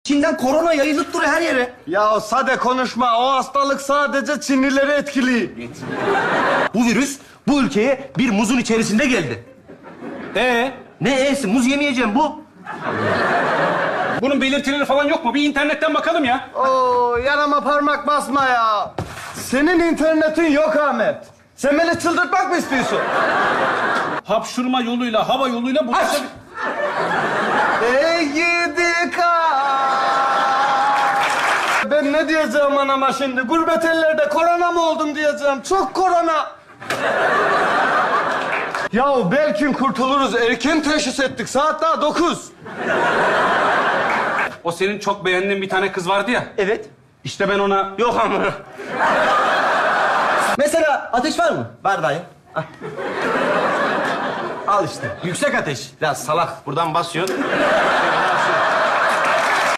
Çin'den korona yayılıp duruyor her yere. Ya sade konuşma. O hastalık sadece Çinlileri etkiliyor. Bu virüs bu ülkeye bir muzun içerisinde geldi. Ne e'si? Muz yemeyeceğim bu. Bunun belirtileri falan yok mu? Bir internetten bakalım ya. Oo, yanıma parmak basma ya. Senin internetin yok Ahmet. Sen beni çıldırtmak mı istiyorsun? Hapşurma yoluyla, hava yoluyla bulaşabilir. Ey gidi Ben ne diyeceğim anama şimdi? Gurbet ellerde korona mı oldum diyeceğim. Çok korona. Yahu belki kurtuluruz. Erken teşhis ettik. Saat daha 9. O senin çok beğendiğin bir tane kız vardı ya. Evet. İşte ben ona... Yok ama. Mesela ateş var mı? Var dayı. Al. Al işte. Yüksek ateş. Biraz salak. Buradan basıyorsun.